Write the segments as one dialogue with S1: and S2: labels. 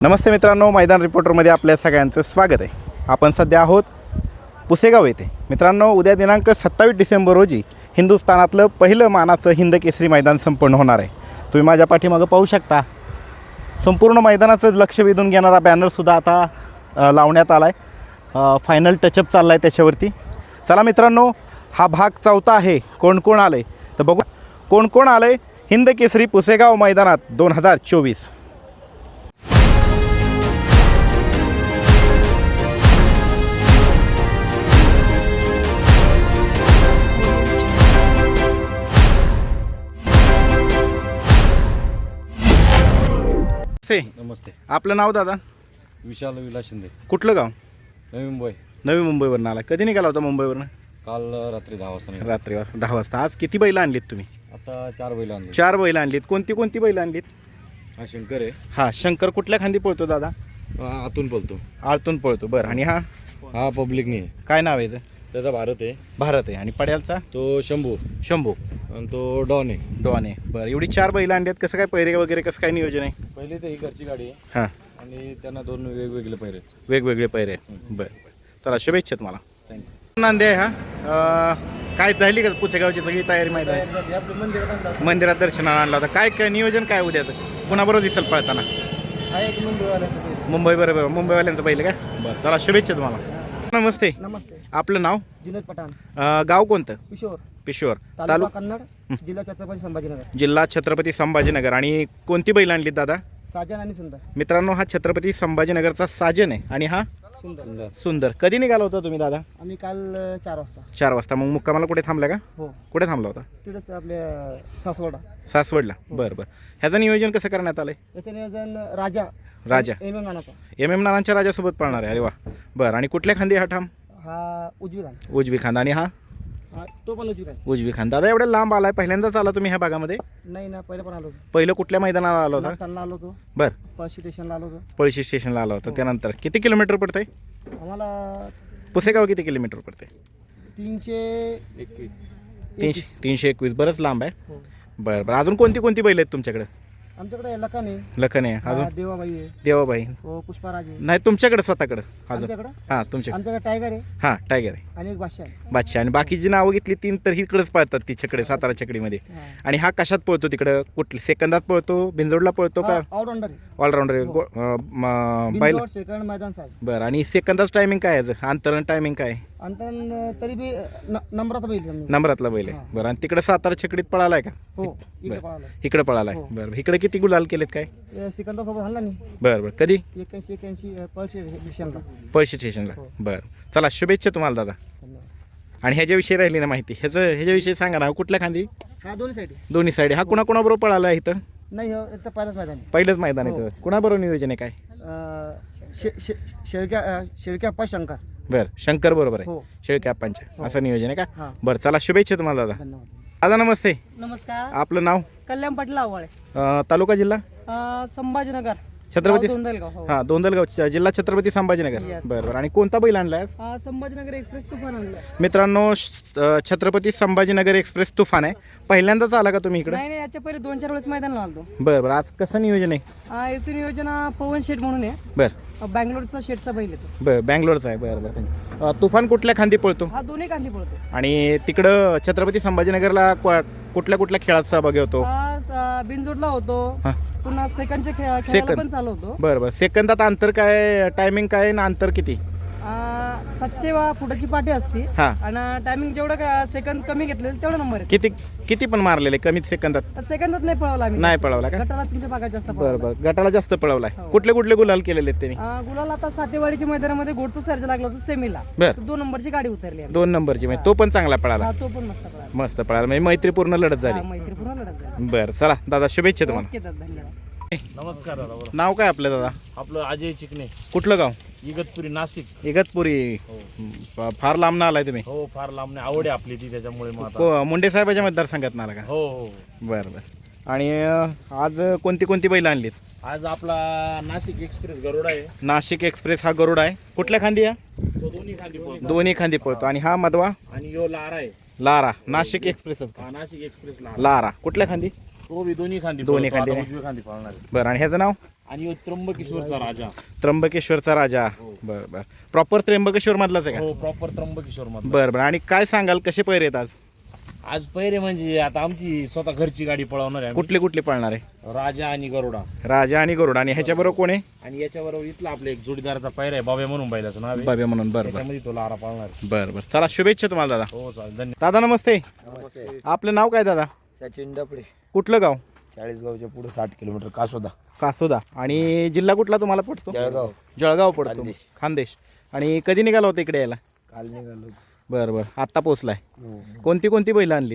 S1: नमस्ते मित्रांनो, मैदान रिपोर्टरमध्ये आपल्या सगळ्यांचं स्वागत आहे. आपण सध्या आहोत पुसेगाव येथे. मित्रांनो, उद्या दिनांक 27 डिसेंबर रोजी हिंदुस्थानातलं पहिलं मानाचं हिंद केसरी मैदान संपन्न होणार आहे. तुम्ही माझ्या पाठीमागं पाहू शकता. संपूर्ण मैदानाचं लक्ष वेधून घेणारा बॅनरसुद्धा आता लावण्यात आला आहे. फायनल टचअप चालला आहे त्याच्यावरती. चला मित्रांनो, हा भाग चौथा आहे. कोण कोण आलं आहे तर बघू. कोण कोण आलं आहे हिंद केसरी पुसेगाव मैदानात 2024.
S2: नमस्ते.
S1: आपलं नाव दादा?
S2: विशाल विलास शिंदे.
S1: कुठलं गाव?
S2: नवी मुंबई.
S1: नवी मुंबईवरून आला. कधी निघाला होता मुंबईवरून?
S2: काल रात्री 10 वाजता निघालो.
S1: रात्रीवर 10 वाजता. आज किती बैल आणलीत तुम्ही?
S2: आता 4 बैल आणले.
S1: 4 बैल आणलीत. कोणती कोणती बैल आणलीत?
S2: हा शंकर आहे.
S1: हा शंकर कुठल्या खांदी पळतो दादा?
S2: आतून बोलतो.
S1: आळतून पळतो. बरं. आणि
S2: हा पब्लिक नाही आहे.
S1: काय नाव आहे याचं?
S2: त्याचा भारत आहे.
S1: भारत आहे. आणि पड्यालचा?
S2: तो शंभू.
S1: शंभू.
S2: आणि तो डॉन आहे.
S1: डॉन आहे. बरं. एवढी 4 बैल आणलीत. कसं काय पैरे वगैरे कसं काय नियोजन आहे?
S2: पहिले तर ही घरची गाडी आहे
S1: हां,
S2: आणि त्यांना 2 वेगवेगळे पैरे.
S1: वेगवेगळे पैरे आहेत. बरं. चला, शुभेच्छा तुम्हाला.
S2: थँक्यू.
S1: नांदे आहे हा. काय झाली का पुसेगावची सगळी तयारी माहिती आहे? मंदिरात दर्शनाला आणला होता. काय काय नियोजन काय उद्याचं? कुणाबरोबर दिसेल पळताना? मुंबई बरोबर. मुंबईवाल्यांचं पहिले का? बरं. चला, शुभेच्छा तुम्हाला. नमस्ते.
S3: नमस्ते.
S1: आपलं नाव?
S3: जिनेद पठाण.
S1: गाव कोणतं?
S3: किशोर.
S1: पिशोर.
S3: तालुका कन्नड, जिल्हा छत्रपती संभाजीनगर.
S1: जिल्हा छत्रपती संभाजीनगर. आणि कोणती बैल आणली दादा?
S3: साजन आणि सुंदर.
S1: मित्रांनो, हा छत्रपती संभाजीनगरचा साजन आहे आणि हा
S3: सुंदर.
S1: सुंदर. कधी निघाला होता तुम्ही दादा?
S3: आम्ही काल 4 वाजता.
S1: 4 वाजता. मग मुक्कामाला कुठे थांबला का?
S3: हो,
S1: कुठे थांबला होता?
S3: तिथेच आपल्या सासवडा.
S1: सासवडला. बरं बरं. ह्याचं नियोजन कसं करण्यात आलंय?
S3: याचं नियोजन राजा
S1: राजा
S3: नानाचा.
S1: MM नानांच्या राजासोबत पळणार आहे. अरे वा. बरं. आणि कुठल्या खांदी हा ठाम?
S3: हा उजवी खान.
S1: उजवी खांदा. आणि हा
S3: हा तो पण उजवी खान.
S1: उजवी खांदा. दादा, एवढ्या लांब आलाय, पहिल्यांदाच आला तुम्ही ह्या भागामध्ये?
S3: नाही ना, पहिलं पण आलो होतो.
S1: पहिलं कुठल्या मैदानाला आला होता?
S3: नागठाणला आलो होतो.
S1: बरं.
S3: पळशी स्टेशनला आलो होतो.
S1: पळशी स्टेशनला आला होता. त्यानंतर किती किलोमीटर पडतंय?
S3: आम्हाला
S1: पुसेगाव किती किलोमीटर पडते?
S3: 321.
S1: 321. बरंच लांब आहे.
S3: हो.
S1: बरं बरं. अजून कोणती कोणती बैल आहेत तुमच्याकडे?
S3: आमच्याकडे लखन आहे.
S1: लखन आहे.
S3: हा,
S1: अजून
S3: देवाबाई आहे.
S1: देवाबाई.
S3: हो, पुष्पाराज आहे.
S1: नाही, तुमच्याकडे स्वतःकडे अजून?
S3: आमच्याकडे
S1: हां, तुमच्याकडे.
S3: आमच्याकडे टायगर आहे
S1: हां, टायगर आहे.
S3: आणि एक बादशाह आहे.
S1: बादशाह. आणि बाकीची नावं घेतली 3 तर इकडेच पळतात तिच्याकडे, सातारा चकडीमध्ये.
S3: हा.
S1: आणि हा कशात पळतो तिकडं? कुठली सेकंदात पळतो? बिंजोडला पळतो का?
S3: ऑलराऊंडर आहे.
S1: ऑलराऊंडर आहे. बैल.
S3: बिनजोड सेकंड मैदान साहेब.
S1: बरं. आणि सेकंदाच टायमिंग काय आहे? अंतरण टायमिंग काय आहे?
S3: अंतरण तरी बी नंबरात बैल समजा.
S1: नंबरातला बैल आहे.
S3: हां.
S1: बरं. आणि तिकडे सातारा चकडीत पळालाय का?
S3: हो, इकडे
S1: बरं.
S3: पळाला.
S1: इकडे पळालाय.
S3: हो.
S1: बरं. इकडे किती गुलाल केलेत काय?
S3: सिकंदर सोबत हल्ला नाही.
S1: बरं बरं. कधी?
S3: 81 पळशी स्टेशनला.
S1: पळशी स्टेशनला.
S3: हो.
S1: बरं. चला, शुभेच्छा तुम्हाला दादा.
S3: धन्यवाद.
S1: आणि ह्याच्याविषयी राहिली ना माहिती, ह्याच्याविषयी सांगा ना. कुठल्या खांदी?
S3: हा दोन्ही साईड
S1: दोन्ही साईड. हा कुणाबरोबर पळाला आहे इथं?
S3: नाही, हो इथं पहिलंच मैदान आहे.
S1: पहिलंच मैदान आहे
S3: हो.
S1: इथं. कुणाबरोबर नियोजन आहे काय?
S3: शेळक्या शंकर.
S1: बरं. शंकर बरोबर आहे.
S3: हो.
S1: शेळक्याप्पांच्या.
S3: हो.
S1: असं नियोजन आहे का?
S3: हां.
S1: बरं. चला, शुभेच्छा तुम्हाला दादा.
S3: धन्यवाद.
S1: दादा नमस्ते.
S4: नमस्कार.
S1: आपलं नाव?
S4: कल्याण पाटील आवाळे.
S1: तालुका जिल्हा?
S4: संभाजीनगर.
S1: छत्रपती.
S4: गाव दोंदलगाव. हो.
S1: हां, दोंदलगाव. जिल्हा छत्रपती संभाजीनगर.
S4: Yes.
S1: बरं बरं. आणि कोणता बैल आणलाय?
S4: संभाजीनगर एक्सप्रेस तुफान आणलाय.
S1: मित्रांनो, छत्रपती संभाजीनगर एक्सप्रेस तुफान आहे. पहिल्यांदाच आला का तुम्ही इकडे?
S4: नाही नाही, याच्या पहिले 2-4 वेळेस मैदानाला आलतो.
S1: बरं बरं. आज कसं नियोजन आहे?
S4: याचं नियोजन पवन शेठ म्हणून आहे.
S1: बरं
S4: बँगलोरचा शेठचा बैल येतो.
S1: बरं. बँगलोरचा आहे. बरं बरं. तुफान कुठल्या खांदी पळतो?
S4: हा दोन्ही कांदी पडतो.
S1: आणि तिकडं छत्रपती संभाजीनगरला कुठल्या कुठल्या खेळात सहभागी होतो?
S4: बिनजोडला होतो.
S1: हां.
S4: पुन्हा सेकंडच्या खेळाला
S1: सेकंद.
S4: पण चालू होतो.
S1: बरं बरं. सेकंदात अंतर काय? टायमिंग काय ना अंतर किती?
S4: 700 फुटाची पाठी असते.
S1: हां.
S4: आणि टायमिंग जेवढं सेकंद कमी घेतलेलं तेवढा नंबर आहे.
S1: किती पण मारलेले कमीत सेकंदात?
S4: सेकंदात नाही पळवला आम्ही.
S1: नाही पळवला का?
S4: गटाला तुमच्या भागात जास्त
S1: बरं
S4: पळवला.
S1: बरं. गटाला जास्त पळवलाय.
S4: हो.
S1: कुठले कुठले गुलाल केलेले आहेत त्यांनी?
S4: गुलाल आता सातेवाडीच्या मैदानामध्ये गोडचं सर्ज लागला होता सेमीला.
S1: बरं.
S4: 2 नंबरची गाडी उतरली आम्ही.
S1: 2 नंबरची म्हणजे तो पण चांगला पळाला.
S4: हा, तो पण मस्त पळाला.
S1: मस्त पळाला. म्हणजे मैत्रीपूर्ण लढत झाली.
S4: मैत्रीपूर्ण लढत झाली.
S1: बरं. चला दादा, शुभेच्छा तुम्हाला.
S4: ओके दादा, धन्यवाद.
S2: नमस्कार दादा. बरं.
S1: नाव काय आपलं दादा?
S2: आपलं अजय चिकणे,
S1: कुठलं गाव?
S2: इगतपुरी, नाशिक.
S1: इगतपुरी. फार लांब ना आलाय तुम्ही?
S2: हो, फार लांब नाही. आवड आहे आपली ती, त्याच्यामुळे मग आता.
S1: मुंडे साहेबाच्या मतदारसंघात ना आला का?
S2: हो हो.
S1: बरं बरं. आणि आज कोणती कोणती बैल आणलीत?
S2: आज आपला नाशिक एक्सप्रेस गरुड आहे.
S1: नाशिक एक्सप्रेस हा गरुड आहे. कुठल्या खांदी? या
S2: तो दोन्ही खांदी पळतो.
S1: दोन्ही खांदी पळतो. आणि हा मधवा?
S2: आणि यो लारा आहे.
S1: लारा. नाशिक एक्सप्रेसच का?
S2: Nashik express Lara.
S1: लारा कुठल्या खांदी?
S2: तो बी दोन्ही खांदी
S1: दोन्ही
S2: पळतो.
S1: खांदी
S2: आता
S1: आहे.
S2: उजवी खांदी पळणार आहे.
S1: बरं. आणि ह्याचं नाव?
S2: आणि ह्यो त्र्यंबकेश्वरचा राजा.
S1: त्र्यंबकेश्वरचा राजा. बरं बरं. प्रॉपर त्र्यंबकेश्वर मधलाच आहे का?
S2: हो, प्रॉपर त्र्यंबकेश्वर मध्ये.
S1: बरं बरं. आणि काय सांगाल कसे पैरे आहेत आज?
S2: आज पहिरे म्हणजे आता आमची स्वतः घरची गाडी पळवणार आहे.
S1: कुठले कुठले पळणार आहे?
S2: राजा आणि गरुडा.
S1: राजा आणि गरुड. आणि ह्याच्याबरोबर कोण आहे?
S2: आणि याच्याबरोबर इथला आपला एक जोडीदाराचा पैर आहे, बाब्या म्हणून बैलाचं नाव आहे.
S1: बाब्या म्हणून. बरं बरं
S2: त्याच्यामध्ये तो लारा पाळणार आहे.
S1: बरं बरं. चला शुभेच्छा तुम्हाला दादा.
S2: हो चालेल, धन्यवाद.
S1: दादा नमस्ते.
S3: नमस्ते.
S1: आपलं नाव काय दादा?
S3: सचिन डपडे,
S1: कुठलं गाव?
S3: चाळीसगावच्या पुढे 60 किलोमीटर कासोदा.
S1: कासोदा. आणि जिल्हा कुठला तुम्हाला पडतो?
S3: जळगाव.
S1: जळगाव पडतो.
S3: खानदेश.
S1: खानदेश. आणि कधी निघाला होता इकडे यायला?
S3: काल निघालो.
S1: बरं बरं. आत्ता पोचलाय.
S3: हो.
S1: कोणती कोणती बैलं आणलीत?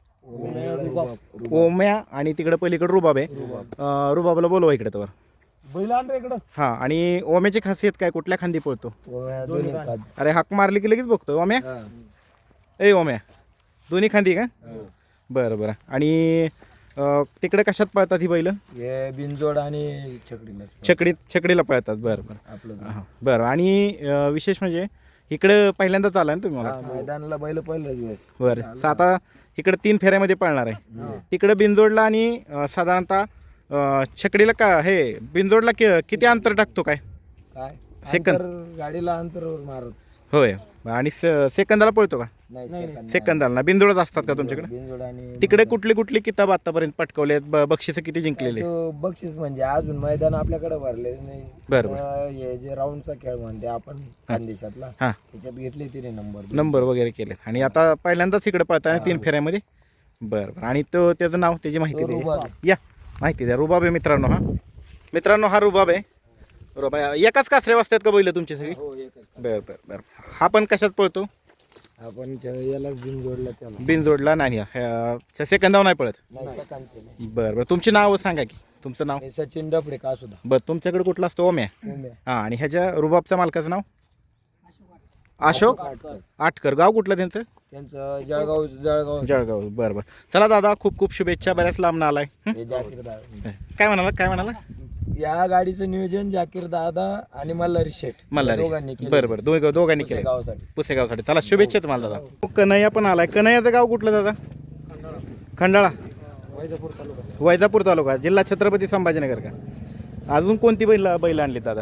S1: ओम्या आणि तिकडे पलीकडे रुबाब आहे. रुबाबला बोलवा इकडे तर.
S2: बैल आण रे इकडं.
S1: हां. आणि ओम्याची खासियत काय? कुठल्या खांदी पळतो?
S3: दोन्ही खात.
S1: अरे हाक मारली की लगेच बघतो ओम्या. ए ओम्या दोन्ही खांदी का? बरं बरं. आणि तिकडे कशात पळतात ही बैलं?
S3: हे बिनजोड आणि
S1: छकडीला पळतात. बरं बरं.
S3: आपलं
S1: हां बरं. आणि विशेष म्हणजे इकडं पहिल्यांदाच आला ना तुम्ही मला?
S3: मैदानाला बैल पहिला दिवस.
S1: बरं. आता इकडे 3 फेऱ्यामध्ये पळणार आहे. तिकडे बिनजोडला आणि साधारणतः छकडीला का हे बिनजोडला किती अंतर टाकतो काय?
S3: काय
S1: सेकंद.
S3: गाडीला अंतरावर मारत
S1: होय. आणि सेकंदाला पळतो का?
S3: नाही.
S1: सेकंदाला ना. बिनजोडच असतात का तुमच्याकडे?
S3: बिनजोड आणि
S1: तिकडे कुठली कुठली किताब आतापर्यंत पटकवले? बक्षिसं किती जिंकलेले?
S3: तो बक्षीस म्हणजे अजून मैदान आपल्याकडे भरलेच नाही.
S1: बरं
S3: हे जे राऊंडचा खेळ म्हणते आपण खानदेशातला,
S1: हां.
S3: त्याच्यात घेतले तिने
S1: नंबर वगैरे केले. आणि आता पहिल्यांदाच इकडे पळताना 3 फेऱ्यामध्ये. बरं बरं. आणि तो त्याचं नाव त्याची माहिती द्या. या माहिती द्या. रुबाब आहे मित्रांनो. हा रुबाब आहे. रुबाब एकाच कासऱ्या वाजतात का बैल तुमची सगळी?
S3: हो एकच.
S1: बरं बरं बरं. हा पण कशात पळतो?
S3: आपण याला बिनजोडला त्याला
S1: बिनजोडला नाही. सेकंदावर नाही पळत.
S3: नाही सेकंद केले.
S1: बरं बरं. तुमची नाव सांगा की. तुमचं नाव?
S3: हे सचिन डपडे कासुदा.
S1: बरं. तुमच्याकडे कुठला असतो? ओम्या. हां. आणि ह्याच्या रुबाबच्या मालकाचं नाव? अशोक आटकर. गाव कुठलं त्यांचं?
S3: त्यांचं जळगाव.
S1: जळगाव. बरं बरं. चला दादा खूप खूप शुभेच्छा. बऱ्याच लांबनं आलाय.
S3: हे जाकीर दादा.
S1: काय म्हणाला?
S3: या गाडीचं नियोजन जाकीर दादा आणि मल्हारी शेठ
S1: मल्हारी.
S3: दोघांनी केलं.
S1: बरं बरं. दोघांनी केलं
S3: गावासाठी.
S1: पुसेगावसाठी. चला शुभेच्छा तुम्हाला दादा. कन्हैया पण आलाय. कन्हैयाचं गाव कुठलं दादा? खंडाळा. वैजापूर तालुका. जिल्हा छत्रपती संभाजीनगर का? अजून कोणती बैल आणली दादा?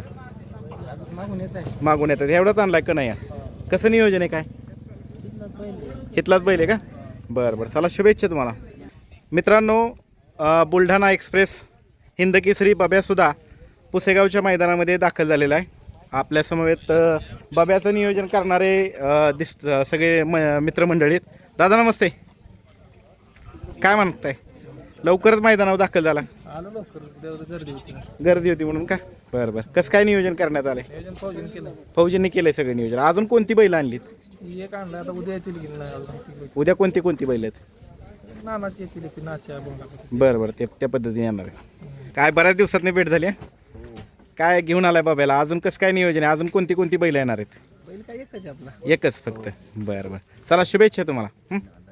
S1: मागून येतात. एवढाच आणलाय कन्हैया. कसं नियोजन आहे काय? इथलाच बैल आहे का? बरं बरं. चला शुभेच्छा तुम्हाला. मित्रांनो बुलढाणा एक्सप्रेस हिंदकेसरी बाब्यासुद्धा पुसेगावच्या मैदानामध्ये दाखल झालेला आहे. आपल्या समवेत बाब्याचं नियोजन करणारे सगळे मित्रमंडळी आहेत. दादा नमस्ते. काय म्हणताय? लवकरच मैदानावर दाखल झाला? गर्दी होती म्हणून का? बरं बरं. कसं काय नियोजन करण्यात आलंय? फौजींनी केलंय सगळं नियोजन. अजून कोणती बैल आणलीत? उद्या कोणती बैल आहेत? बरं बरं. त्या पद्धतीने येणार आहे. काय बऱ्याच दिवसातनी भेट झाली. काय घेऊन आलाय बाब्याला? अजून कसं काय नियोजन आहे? अजून कोणती बैल येणार आहेत? एकच फक्त. बरं बरं. चला शुभेच्छा तुम्हाला.